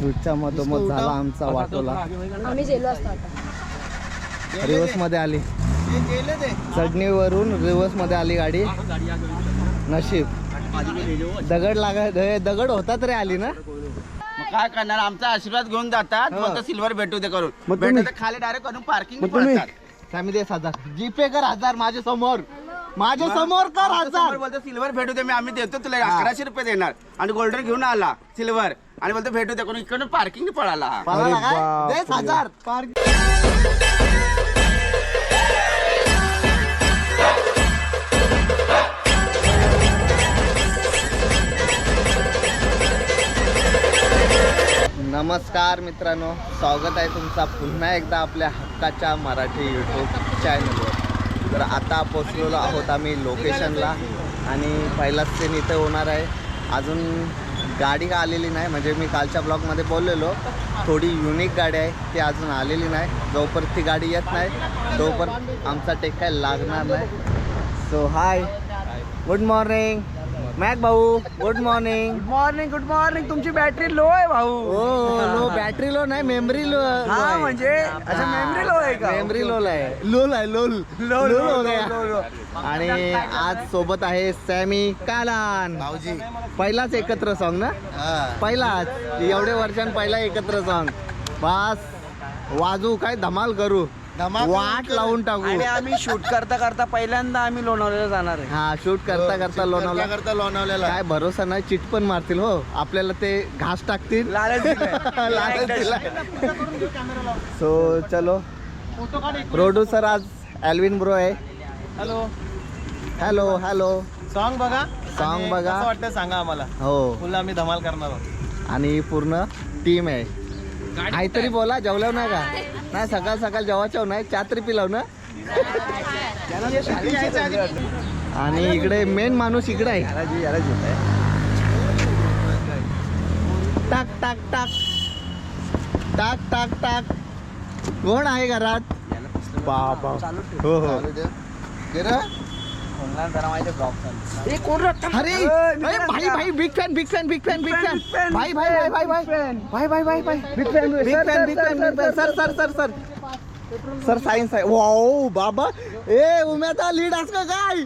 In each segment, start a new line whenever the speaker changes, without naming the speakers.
शूटच्या मधोमध झाला आमचा वाटोला.
आम्ही गेलो असतो आता.
रिवर्स मध्ये आली, चढणीवरून रिवर्स मध्ये आली गाडी. नशीब दगड होता तरी आली ना.
काय करणार, आमचा आशीर्वाद घेऊन जातात. मग सिल्वर भेटू दे करून,
मग तुम्ही-
भेटू खाली डायरेक्ट करून पार्किंग
तुम्ही फॅमिली 1000 जीपे कर 1000 माझ्या समोर कर 1000.
बोलतो सिल्वर भेटू दे, मी आम्ही देतो तुला 1100 रुपये देणार. आणि गोल्डन घेऊन आला सिल्वर आणि बोलतो भेटू दे करून, इकडून पार्किंग पळाला.
अरे बापरे.
1000
नमस्कार मित्रांनो, स्वागत आहे तुमचा पुन्हा एकदा आपल्या हक्काच्या मराठी यूट्यूब चॅनलवर. तर आता पोचलेलो आहोत आम्ही लोकेशनला आणि पहिलाच सीन इथे होणार आहे. अजून गाडी का आलेली नाही, म्हणजे मी कालच्या ब्लॉगमध्ये बोललेलो थोडी युनिक गाडी आहे, ती अजून आलेली नाही. जोपर्यंत ती गाडी येत नाही तोपर्यंत आमचा टेक काय लागणार नाही. So hi, good morning Mac भाऊ. Good morning.
Good morning. तुमची बॅटरी लो आहे भाऊ.
हो लो, बॅटरी लो नाही, मेमरी लो.
हा म्हणजे अच्छा मेमरी लो आहे का?
मेमरी लोल आहे, लोल हो गया. आणि आज सोबत आहे सॅमी कालान भाऊजी. पहिलाच एकत्र सॉन्ग ना, पहिलाच एवढे वर्षां पहिला एकत्र सॉन्ग. बस वाजू काय धमाल करू, वाट लावून टाकू.
आणि आम्ही शूट करता करता पहिल्यांदा आम्ही लोणावळ्याला जाणार आहे.
हा शूट करता करता लोणावळ्याला काय भरोसा नाही, चिट पण मारतील हो आपल्याला, ते घास टाकतील.
लालच दिलाय.
सो चलो. प्रोड्युसर आज एल्विन ब्रो आहे.
Hello
hello hello.
सॉन्ग बघा,
सॉन्ग बघा.
कसं वाटतं सांगा आम्हाला.
हो,
फुल आम्ही धमाल करणार आहोत.
आणि पूर्ण टीम आहे. काहीतरी बोला, जेवल्याव नाही का? नाही, सकाळ सकाळ जेवायच्या नाही, चहा तरी पिलाव ना. आणि इकडे मेन माणूस इकडे आहे. टाक टाक टाक टाक टाक टाक. कोण आहे घरात? बाबा. हो हो. अरे भाई भाई, big fan big fan big fan big fan. भाई भाई भाई भाई भाई भाई भाई भाई भाई big fan big fan big fan. Sir sir sir sir sir science आहे. वाओ बाबा. ए उम्याचा लीड असं का काय?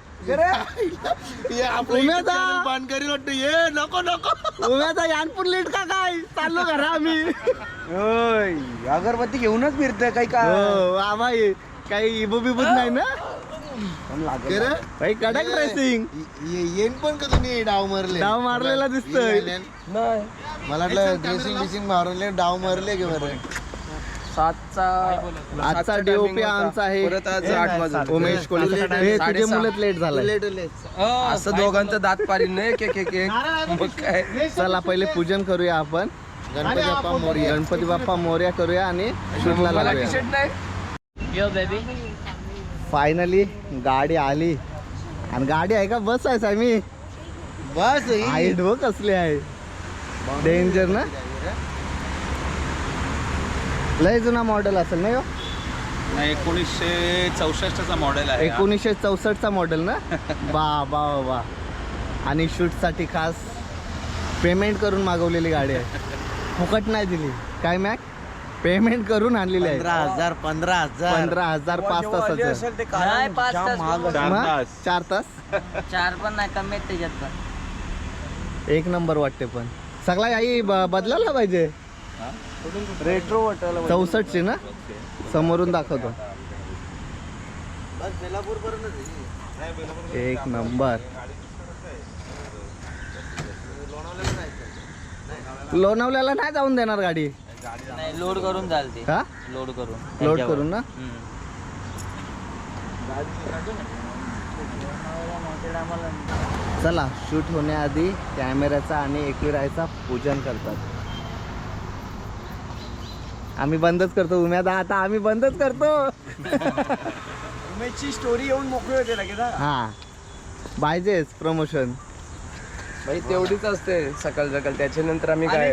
उम्याचा
बंद करी वाटतं. ये नको नको,
उम्याचा यानपूर लीड का काय? चाललो घरा आम्ही.
अगरबत्ती घेऊनच फिरतोय काही का?
हो बाबा, काही इबू बिबूच नाही ना. भाई कडक ड्रेसिंग.
येईन पण का तुम्ही डाव मारले?
डाव मारलेला दिसतोय.
मला वाटलं ड्रेसिंग बिसिंग मारले, डाव मारले की बरं.
आजचा डीओपी आमचा आहे उमेश कोळी. हे तुझे मुलं लेट झालाय.
असं दोघांचं दात पारी नाही के मग काय.
चला पहिले पूजन करूया आपण. गणपती बाप्पा मोरया करूया आणि शूटला लागूया. फायनली गाडी आली. आणि गाडी आहे का बस आहे सामी?
बस
हाईट व कसली आहे, डेंजर ना. लय जुना मॉडेल असेल ना.
1964 चा मॉडेल आहे.
1964 मॉडेल ना. बा बा बा. आणि शूटसाठी खास पेमेंट करून मागवलेली गाडी आहे, फुकट नाही दिली. काय मॅक? पेमेंट करून आणलेली आहे.
15,000
15,000 5 तासाचं. 4 तास
4 पण नाही, कमी आहेत त्याच्यात पण.
एक नंबर वाटते. पण सगळा आई बदलायला पाहिजे.
रेट्रो वाटायला
64 ची ना. समोरून दाखवतो. एक नंबर. लोणावल्याला नाही जाऊन देणार गाडी.
नाही, लोड करून चालते.
हा,
लोड
लोड करून ना. चला, शूट होण्याआधी कॅमेऱ्याचा आणि एकविरायचा पूजन करतात. आम्ही बंदच करतो. उम्यादा आता आम्ही बंदच करतो.
उमेशची स्टोरी येऊन मोकळी होते लगेच.
हा, पाहिजेच प्रमोशन.
भाई तेवढीच असते सकाळ सकाळ. त्याच्यानंतर आम्ही काय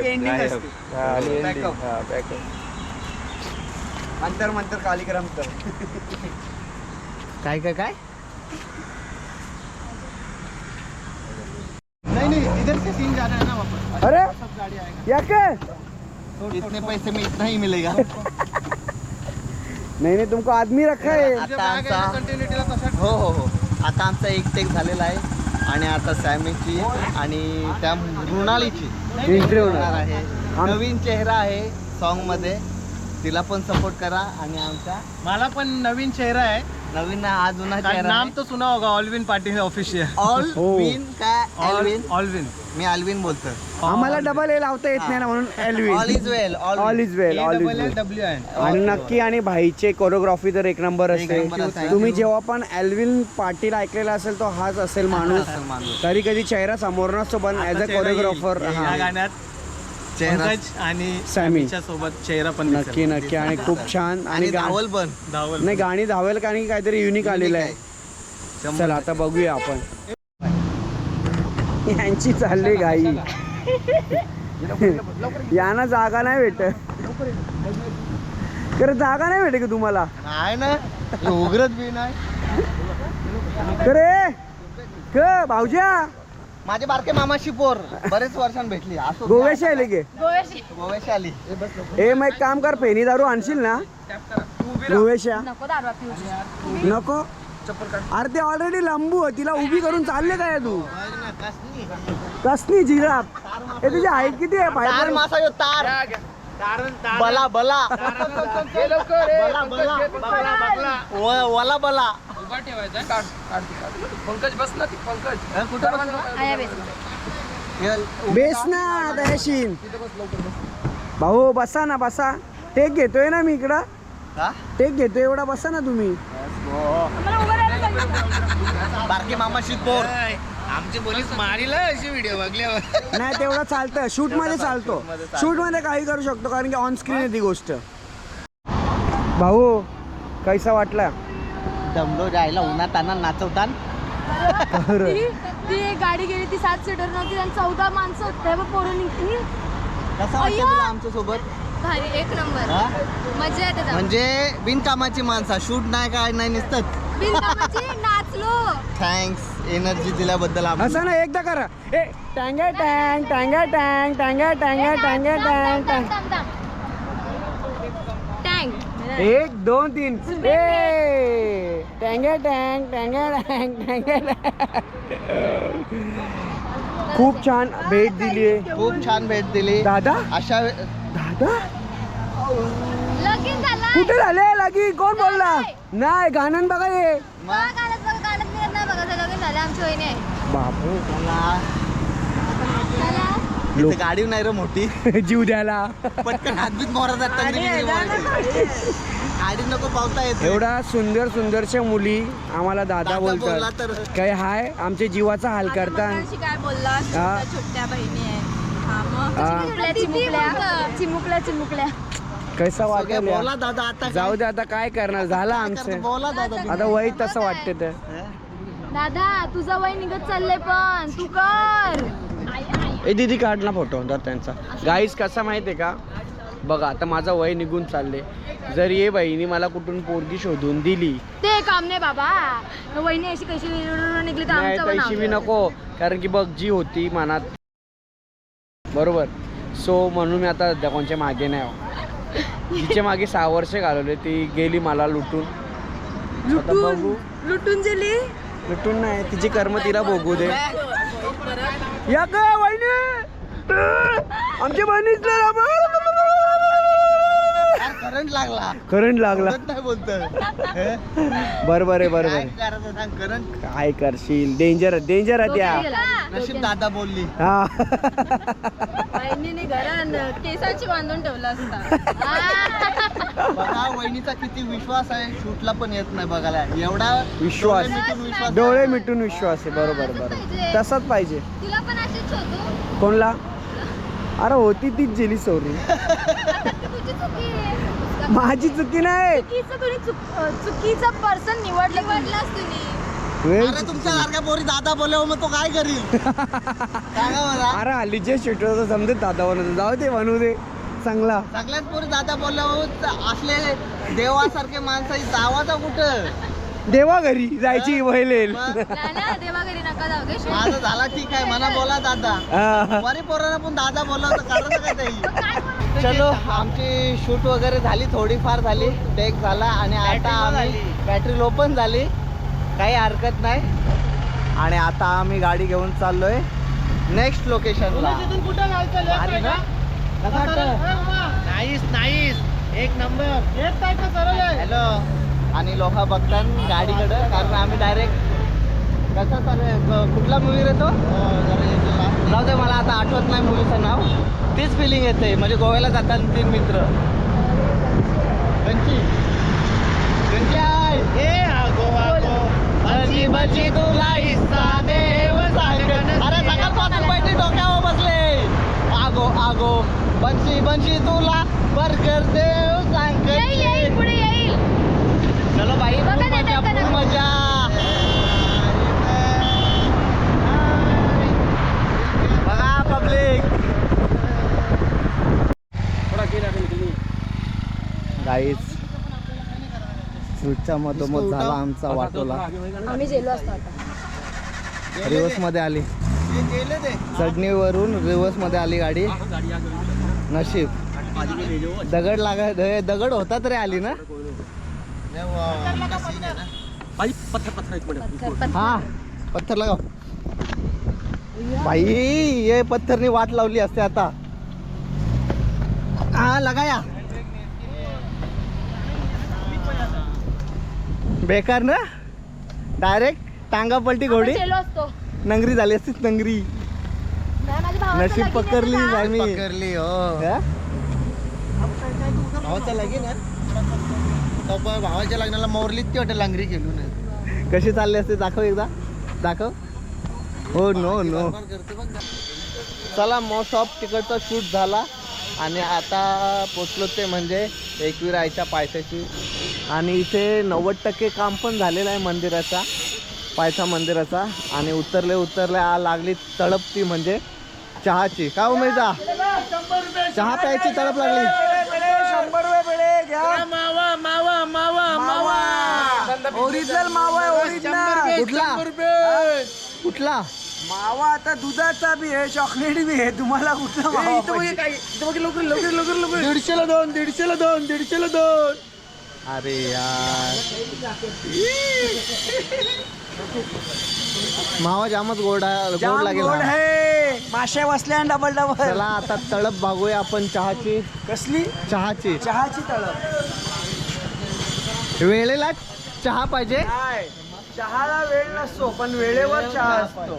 अंतर मंतर कालिक्रम तर
काय काय काय.
नहीं इधर से सीन जा रहा है ना वापस.
अरे या काय
इतने पैसे में इतना ही मिलेगा.
नहीं तुमको आदमी रखा है.
आता आमचा हो आता आमचा एक टेक झालेला आहे आणि आता सॅमीची आणि त्या मृणालीची
एंट्री होणार
आहे. नवीन चेहरा आहे सॉन्ग मध्ये, तिला पण सपोर्ट करा. आणि आमचा
मला पण नवीन चेहरा आहे.
नवीन हा जुना चेहरा
नाम तो सुना होगा ऑलविन पाटील ऑफिशियल.
ऑलविन काय ऑलविन
ऑलविन
मी अल्विन बोलतो.
आम्हाला डबल ए लावता येत नाही ना म्हणून Elvin.
All is well
all is well all is well.
WN.
आणि नक्की आणि भाईचे कोरिओग्राफी तर एक नंबर
एक नंबर
असते.
असते.
तुम्ही जेव्हा पण एल्विन पाटील ऐकलेला असेल तो हाच असेल माणूस. कधी कधी चेहरा समोर नसतो पण ऍज अ कोरिओग्राफर
या गाण्यात
चेहरा
पंकज आणि
सॅमी.
सॅमीच्या सोबत चेहरा पण
नक्की नक्की आणि खूप छान.
आणि
गा-
धावल पण
धावल.
नाही गाणी धावेल का आणि काहीतरी युनिक आलेलं आहे. चला आता बघूया आपण. यांची चालली घाई. यांना जागा नाही भेटत. खरं जागा नाही भेटे का तुम्हाला?
नाही ना उघडत बी नाही.
खरे क भाऊजा
माझे बारके मामाशी पोर बरेच वर्षांनी भेटली. असो
गोव्याशी आले गे?
गोव्याशी आली.
ए मग एक काम कर, पेनी दारू आणशील ना गोव्याशा? नको. अरे ते ऑलरेडी लंबू आहे, तिला उभी करून चालले काय तू? कसली जिराफ? हे तुझी हाईट किती आहे?
तार
पाय
मासा यो तार बला बला वला बला.
उभा ठेवायचा पंकज बस ना ती पंकज
बेस ना दयाशीन भाऊ. बसा ना बसा. टेक घेतोय ना मी इकडं.
का?
टेक घेतोय एवढा बसा ना तुम्ही.
बारके मामाशी पोर
आमची पोलीस मारीला अशी व्हिडिओ बघल्यावर.
नाही तेवढं चालतं. शूट मध्ये चालतो. शूट मध्ये काही करू शकतो कारण की ऑन स्क्रीन आहे ती गोष्ट. भाऊ कैसा वाटला?
दमलो जायला उन्हात आणा नाचवतान.
ती एक गाडी गेली ती 7 सीटर नव्हती आणि 14 माणसं होते बघ पोरं निघली.
कसं वाटतं तुला आमच्या सोबत?
भारी एक नंबर
हा?
मजा येते त्यात.
म्हणजे बिनकामाची माणसा शूट नाही काय नाही नुसतं.
बिनकामाची नाचलो.
थँक्स एनर्जी दिल्याबद्दल.
असं ना एकदा करा. ए टँगा टँग टँगा टँग टँगा टँगा टँगा टँग टँग.
टँक
1 2 3 ए टँगा टँग टँगा टँग टँगा टँग. खूप छान भेट दिली आहे
खूप छान भेट दिली
दादा.
अशा
दादा
लगीन झाला.
कुठे झाले लागी? कोण बोलला? नाही गाणं बघा हे.
गाणं निघत नाही बघा. लगीन झालं आमची वहिनी आहे.
बापू
चला.
इथे गाडी नाही रे मोठी.
जीव द्यायला
पटकन हातबीत मोरा जातात. गाडी नको पावता येते.
एवढा सुंदर सुंदरच्या मुली आम्हाला दादा
दादा बोलला
बोलतात.
तर
काय हाय आमचे जीवाचा हाल करता.
मगाशी काय बोलला?
हा.
छोट्या बहिणी आहे. हा मग
हा.
चिमुकल्या चिमुकल्या.
कैसा
सगळे
वाटेल या?
बोला दादा आता
जाऊ दे आता काय करणार. झालं आमचं.
बोला दादा.
आता वय तसं वाटते तर.
दादा तुझं वय निघत चाललंय पण तू कर.
ए दीदी काढ ना फोटो तर त्यांचा. गाईस कसा माहितीये का बघा आता माझं वय निघून चालले. जर ये बहिणी मला कुठून पोरगी शोधून दिली
ते काम नाही बाबा. वहिनी अशी कशी निघली तर
नाही
आमचं
तशी बी नको. कारण की बघ जी होती मनात बरोबर. सो म्हणून मी आता कोणच्या मागे नाही आहो. तिचे मागे 6 वर्ष घालवले. ती गेली मला लुटून. आता बघू.
लुटून गेली.
लुटून नाही तिची कर्म तिला भोगू दे. या का वहिनी आमच्या बहिणीच
करंट लागला.
करंट लागला.
नाही बोलत.
बरोबर आहे बरोबर
काय
आहे.
करायचं सांग. करंट
काय करशील? डेंजर डेंजर आहे त्या.
नशीब दादा बोलली.
हा
वहिनीने घरात केसाची बांधून ठेवलं असता.
बघा वहिनीचा किती विश्वास आहे. शूटला पण येत नाही बघायला. एवढा
विश्वास.
डोळे मिटून विश्वास.
डोळे मिटून विश्वास आहे. बरोबर बरोबर तसाच पाहिजे.
तिला पण अशीच होतो.
कोणला? अरे होती तीच गेली सोरी.
तुझी चुकी आहे.
माझी चुकी नाही.
चुकीचा पर्सन निवडलास तुम्ही.
अरे तुमच्या सारख्या पोरी दादा बोलल्यावर मग तो काय करील? सांगा मला.
अरे हल्लीचे शूटर तर समजत दादा बनवतो. जाऊ दे बनवू दे चांगला.
सगळ्यात पोरी दादा बोलल्यावर असले देवासारखे माणसाची जावाचा कुठं?
देवा घरी जायची वहिलेल.
मग
ना देवा घरी नका जाऊ गे.
माझं झाला ठीक आहे. मला बोला दादा.
हा.
बरे पोरांना पण दादा बोलला तर करायचं काय ताई? चलो आमची शूट वगैरे झाली, थोडीफार झाली, टेक झाला आणि आता आम्ही बॅटरी लो पण झाली, काही हरकत नाही. आणि आता आम्ही गाडी घेऊन चाललोय नेक्स्ट लोकेशनला.
नाईस एक नंबर
हॅलो. आणि लोक बघतात गाडीकडं, कारण आम्ही डायरेक्ट कसा चालू कुठला मूवी रे तो, जाऊ दे मला आता आठवत नाही मूवीचं नाव. तीच फिलिंग येते, म्हणजे गोव्याला जातात 3 मित्र. कंची बची तुला हिस्सा देव सांगन. अरे सकाळपासून बैठी डोक्यावर बसले. आगो आगो बंशी बंशी तुला बर्गर देव सांग.
येईल पुढे येईल.
चलो बाई,
बघा
फुल
देतात
मजा
का
फुल
नाही?
मजा. बघा पब्लिक. गाईच शूटच्या मधोमध झाला आमचा वाटोला.
आम्ही गेलो असतो आता.
रिवर्स मध्ये आली, चढणीवरून रिवर्स मध्ये आली गाडी. नशीब दगड दगड होता तरी आली ना. हा पत्थर लगाव भाई, ये पत्थरनी वाट लावली असते आता. हा लगाया. बेकार ना, डायरेक्ट टांगा पलटी घोडी
आपण गेलो असतो.
नंगरी झाली असतीच नंगरी.
नाही, माझ्या भावाचं
नशीब
लगीन
पकडली
आहे ना.
आम्ही.
पकडली हो. भावाच्या लगीन भावाच्या लग्नाला मोरलीत ती वाटत लांगरी गेलो नाही.
कशी चालली असते दाखव एकदा, दाखव. हो नो नो. चला मोस्ट ऑफ तिकडचा शूट झाला आणि आता पोचलो ते म्हणजे एकविरायच्या पायथ्याशी. आणि इथे 90% काम पण झालेलं आहे मंदिराचा, पायथा मंदिराचा. आणि उतरले लागली तळप ती म्हणजे चहाची. का उमेदा चहा प्यायची तळप लागली.
100 रुपये पेढे घ्या.
मावा मावा मावा मावा
ओरिजिनल मावा आहे, ओरिजिनल.
कुठला कुठला
मावा आता दुधाचा बी आहे, चॉकलेट बी आहे. तुम्हाला कुठला मावा पाहिजे?
150ला 2 150ला 2 150ला 2.
अरे यार, मावा जामच गोड
जाम
लागेल
गोड
हा.
आहे. माश्या बसल्या डबल डबल.
चला आता तळप भागूया आपण चहाची.
कसली?
चहाची
चहाची तळप.
वेळेला चहा पाहिजे.
नाही, चहाला वेळ नसतो, पण वेळेवर चहा असतो.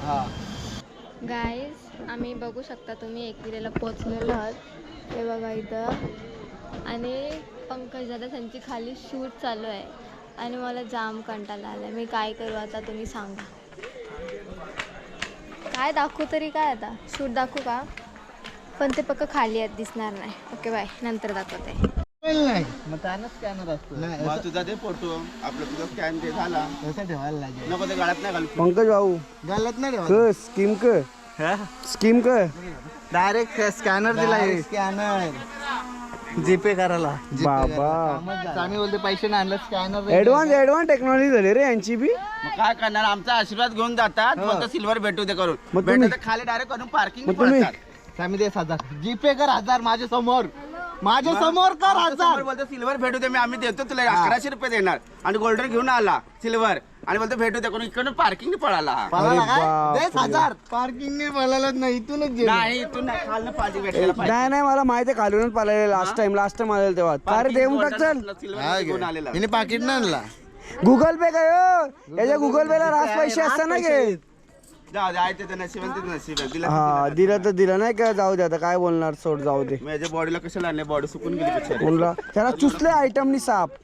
गाईज आम्ही बघू शकता, तुम्ही एकविरेला पोचलेलो आहात. हे बघा इथं. आणि पंकज दादा त्यांची खाली शूट चालू आहे आणि मला जाम कंटाळा आलाय. मी काय करू आता, तुम्ही सांगा. काय दाखवू तरी, काय आता शूट दाखवू का? पण ते पक्क खाली आहेत, दिसणार नाही. ओके बाय, नंतर दाखवते.
मग त्यानं स्कॅनर असतो.
मग तुझा ते फोटो आपलं तुझा स्कॅन ते झाला
कसं ठेवायला लागेल.
नको ते गळ्यात नाही घालू.
पंकज भाऊ
घालत नाही ठेवायला.
स्कीम क स्कीम क
डायरेक्ट स्कॅनर दिला. स्कॅनर जीपे करायला.
बाबा,
आम्ही बोलते पैसे नाही आणलं, स्कॅनर.
ऍडव्हान्स टेक्नॉलॉजी झाली रे यांची बी.
मग काय करणार, आमचा आशीर्वाद घेऊन जातात. फक्त सिल्वर भेटू ते करून
मग तुम्ही-
भेटू ते खाली डायरेक्ट करून पार्किंग
मग तुम्ही-
आम्ही देस 1000 जीपे कर. 1000 माझ्या समोर, माझ्या समोर कर 1000.
बोलतो सिल्वर भेटू दे, आम्ही देतो तुला 1100 रुपये देणार. आणि गोल्डन घेऊन आला सिल्वर आणि बोलतो भेटू दे करून इकडून पार्किंग पळाला हा.
पळाला काय?
बापरे.
देस 1000. पार्किंग पळालाच नाही, इथूनच गेलो.
नाही इथून नाही, खालनं पार्किंग भेटायला पाहिजे.
नाही मला माहिती आहे, खालूनच पाहिजे. लास्ट टाइम आलेलं तेव्हा. काय रे, देऊन टाक चल.
सिल्वर घेऊन आलेला.
हिने पाकिट नाही आणला.
गुगल पे काय हो? याच्या गुगल पे ला रास पैसे असतात ना घे.
जाऊ दे, आहे ते नशीब आहे, ते नशीब आहे. दिला
हा, दिलं तर दिलं, नाही का? जाऊ दे आता, काय बोलणार, सोड, जाऊ दे.
माझ्या बॉडीला कशाला आणले, बॉडी सुकून गेली बिचारी.
कोणला त्याला चुसले आयटमनी साप.